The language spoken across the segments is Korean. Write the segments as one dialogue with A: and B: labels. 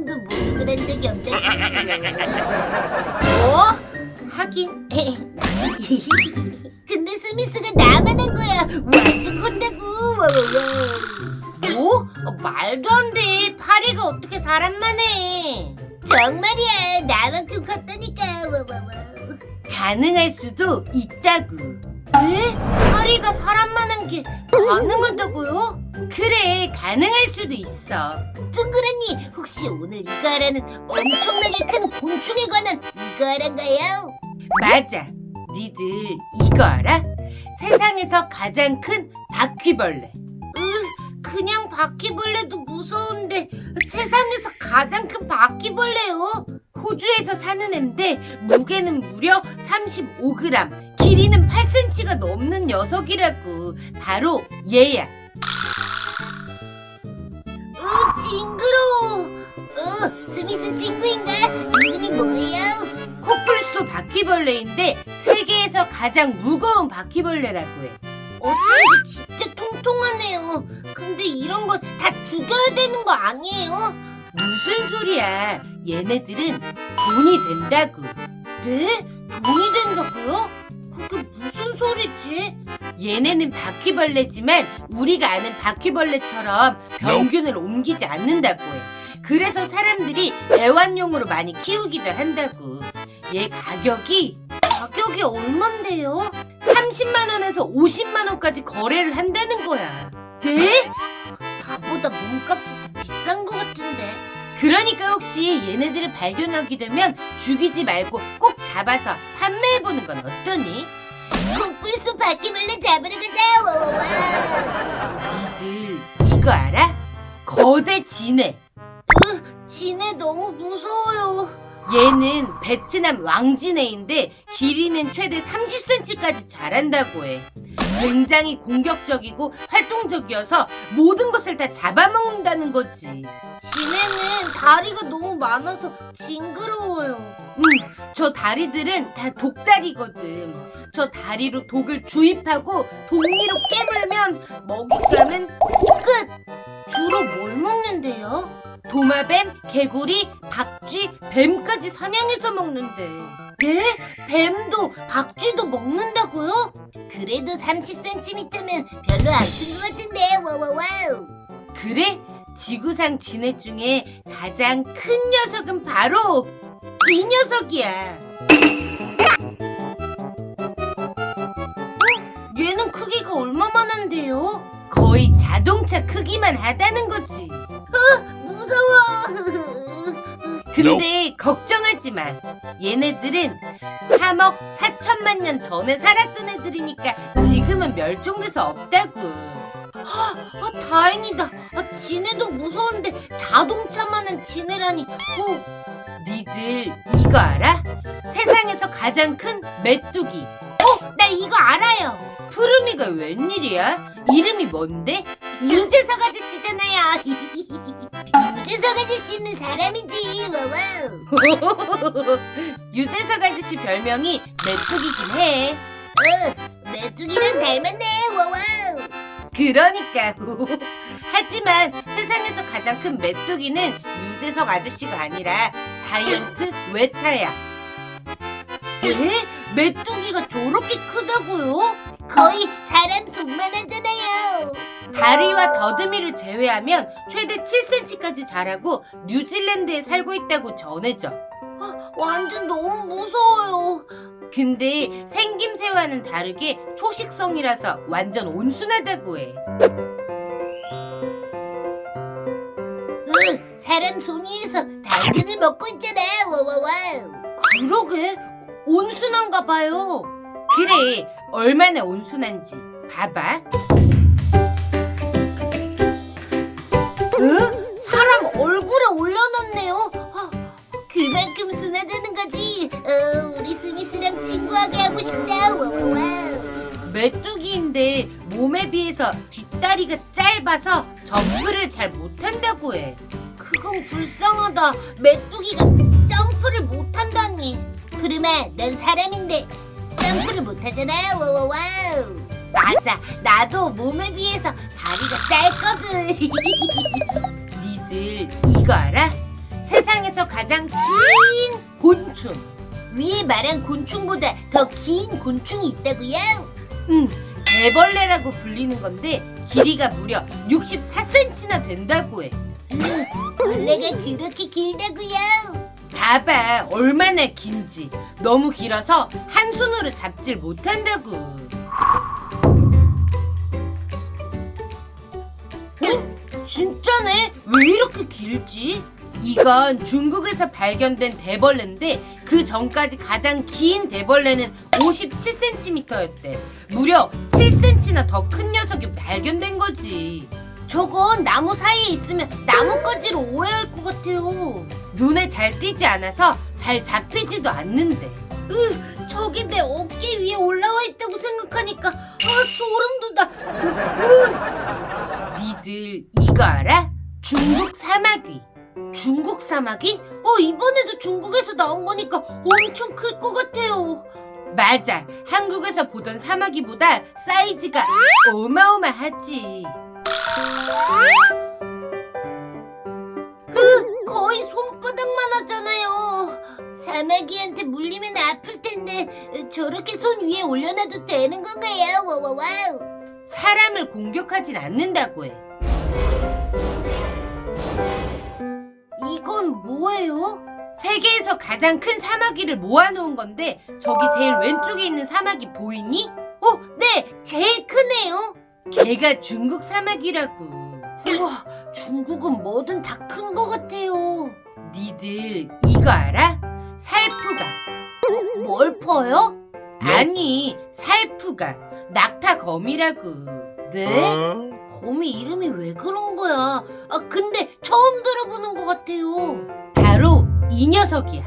A: 번도 목욕을 한 적이 없다고. 뭐? 하긴. 근데 스미스가 나만 한 거야. 완전 컸다고. 뭐? 말도 안 돼. 파리가 어떻게 사람만 해. 정말이야. 나만큼 컸다니까. 가능할 수도 있다고. 에? 파리가 사람만 한 게 가능하다고요? 그래, 가능할 수도 있어. 둥그러니, 혹시 오늘 이거 하라는 엄청나게 큰 곤충에 관한 이거 하란가요? 맞아. 니들 이거 알아? 세상에서 가장 큰 바퀴벌레. 그냥 바퀴벌레도 무서운데 세상에서 가장 큰 바퀴벌레요. 호주에서 사는 앤데 무게는 무려 35g, 길이는 8cm가 넘는 녀석이라고. 바로 얘야. 징그러워. 스미스 친구인가? 이름이 뭐예요? 코뿔소 바퀴벌레인데 세계에서 가장 무거운 바퀴벌레라고 해. 어쩐지 진짜 통통하네요. 근데 이런 거 다 죽여야 되는 거 아니에요? 무슨 소리야. 얘네들은 돈이 된다고. 네? 돈이 된다고요? 그게 무슨 소리지? 얘네는 바퀴벌레지만 우리가 아는 바퀴벌레처럼 병균을 옮기지 않는다고 해. 그래서 사람들이 애완용으로 많이 키우기도 한다고. 얘 가격이 얼만데요? 30만 원에서 50만 원까지 거래를 한다는 거야. 네? 나보다 몸값이 더 비싼 것 같은데. 그러니까 혹시 얘네들을 발견하게 되면 죽이지 말고 꼭 잡아서 판매해보는 건 어떠니? 코뿔소 바퀴벌레 잡으러 가자. 니들 이거 알아? 거대 진해. 진해 너무 무서워요. 얘는 베트남 왕진해인데 길이는 최대 30cm까지 자란다고 해. 굉장히 공격적이고 활동적이어서 모든 것을 다 잡아먹는다는 거지. 진해는 다리가 너무 많아서 징그러워요. 저 다리들은 다 독다리거든. 저 다리로 독을 주입하고 독리로 깨물면 먹잇감은 끝! 주로 뭘 먹는데요? 도마뱀, 개구리, 박쥐, 뱀까지 사냥해서 먹는데. 네? 뱀도 박쥐도 먹는다고요? 그래도 30cm면 별로 안 큰 것 같은데. 와와와우. 그래? 지구상 진해 중에 가장 큰 녀석은 바로 이 녀석이야. 얘는 크기가 얼마만한데요? 거의 자동차 크기만 하다는 거지. 무서워. 근데 걱정하지 마. 얘네들은 3억 4천만 년 전에 살았던 애들이니까 지금은 멸종돼서 없다고. 다행이다. 지네도 무서운데 자동차만한 지네라니. 니들 이거 알아? 세상에서 가장 큰 메뚜기. 나 이거 알아요. 푸르미가 웬일이야? 이름이 뭔데? 유재석 아저씨잖아요. 유재석 아저씨는 사람이지. 와와우. 유재석 아저씨 별명이 메뚜기긴 해. 메뚜기랑 닮았네. 와와우. 그러니까. 하지만 세상에서 가장 큰 메뚜기는 유재석 아저씨가 아니라 자이언트 웨타야. 네? 메뚜기가 저렇게 크다고요? 거의 사람 손만 하잖아요. 다리와 더듬이를 제외하면 최대 7cm까지 자라고 뉴질랜드에 살고 있다고 전해져. 완전 너무 무서워요. 근데 생김새와는 다르게 초식성이라서 완전 온순하다고 해. 사람 손 위에서 당근을 먹고 있잖아. 와와와우. 그러게, 온순한가 봐요. 그래, 얼마나 온순한지 봐봐. 사람 얼굴에 올려놨네요. 그만큼 순하다는 거지. 우리 스미스랑 친구하게 하고 싶다. 와와와우. 메뚜기인데 몸에 비해서 뒷다리가 짧아서 점프를 잘 못한다고 해. 그건 불쌍하다. 메뚜기가 점프를 못한다니. 그러면 넌 사람인데 점프를 못하잖아. 와와와우. 맞아, 나도 몸에 비해서 다리가 짧거든. 니들 이거 알아? 세상에서 가장 긴 곤충.
B: 위에 말한 곤충보다 더 긴 곤충이 있다고요?
A: 대벌레라고 불리는 건데 길이가 무려 64cm나 된다고 해.
B: 벌레가 그렇게 길다고요?
A: 봐봐, 얼마나 긴지. 너무 길어서 한 손으로 잡질 못한다고. 진짜네? 왜 이렇게 길지? 이건 중국에서 발견된 대벌레인데 그 전까지 가장 긴 대벌레는 57cm였대. 무려 7cm나 더 큰 녀석이 발견된 거지.
B: 저건 나무 사이에 있으면 나뭇가지로 오해할 것 같아요.
A: 눈에 잘 띄지 않아서 잘 잡히지도 않는데.
B: 저게 내 어깨 위에 올라와 있다고 생각하니까 소름 돋아.
A: 니들 이거 알아? 중국 사마귀.
B: 중국 사마귀? 이번에도 중국에서 나온 거니까 엄청 클 것 같아요.
A: 맞아. 한국에서 보던 사마귀보다 사이즈가 어마어마하지.
B: 거의 손바닥만 하잖아요. 사마귀한테 물리면 아플 텐데 저렇게 손 위에 올려놔도 되는 건가요? 와와와우.
A: 사람을 공격하진 않는다고 해.
B: 이건 뭐예요?
A: 세계에서 가장 큰 사마귀를 모아놓은 건데 저기 제일 왼쪽에 있는 사마귀 보이니?
B: 네, 제일 크네요.
A: 걔가 중국 사마귀라고.
B: 우와, 중국은 뭐든 다 큰 것 같아요.
A: 니들 이거 알아? 살푸가.
B: 뭘 퍼요?
A: 아니, 살푸가. 낙타거미라고.
B: 네? 거미 이름이 왜 그런 거야? 근데 처음 들어보는 것 같아요.
A: 바로 이 녀석이야.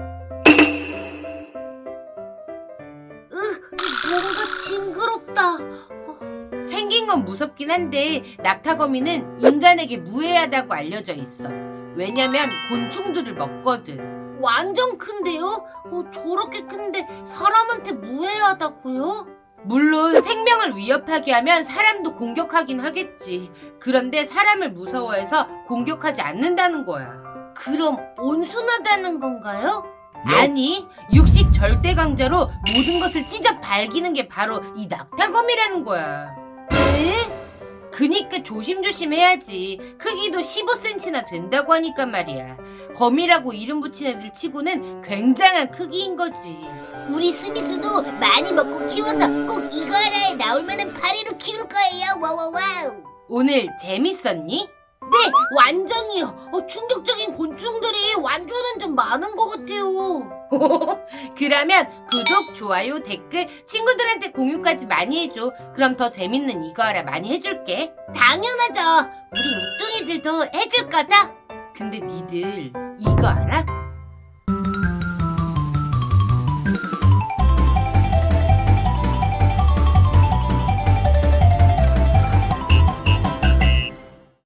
B: 뭔가 징그럽다.
A: 생긴 건 무섭긴 한데 낙타거미는 인간에게 무해하다고 알려져 있어. 왜냐면 곤충들을 먹거든.
B: 완전 큰데요? 저렇게 큰데 사람한테 무해하다고요?
A: 물론 생명을 위협하게 하면 사람도 공격하긴 하겠지. 그런데 사람을 무서워해서 공격하지 않는다는 거야.
B: 그럼 온순하다는 건가요?
A: 아니, 육식 절대 강자로 모든 것을 찢어 발기는 게 바로 이 낙타거미라는 거야.
B: 네?
A: 그니까 조심조심 해야지. 크기도 15cm나 된다고 하니까 말이야. 거미라고 이름 붙인 애들 치고는 굉장한 크기인 거지.
B: 우리 스미스도 많이 먹고 키워서 꼭 이거 하나에 나올 만한 파리로 키울 거예요. 와와와우.
A: 오늘 재밌었니?
B: 네, 완전히요. 충격적인 곤충들이 완전한 좀 많은 것 같아요.
A: 그러면 구독, 좋아요, 댓글, 친구들한테 공유까지 많이 해줘. 그럼 더 재밌는 이거 알아 많이 해줄게.
B: 당연하죠. 우리 우뚱이들도 해줄 거죠?
A: 근데 니들 이거 알아?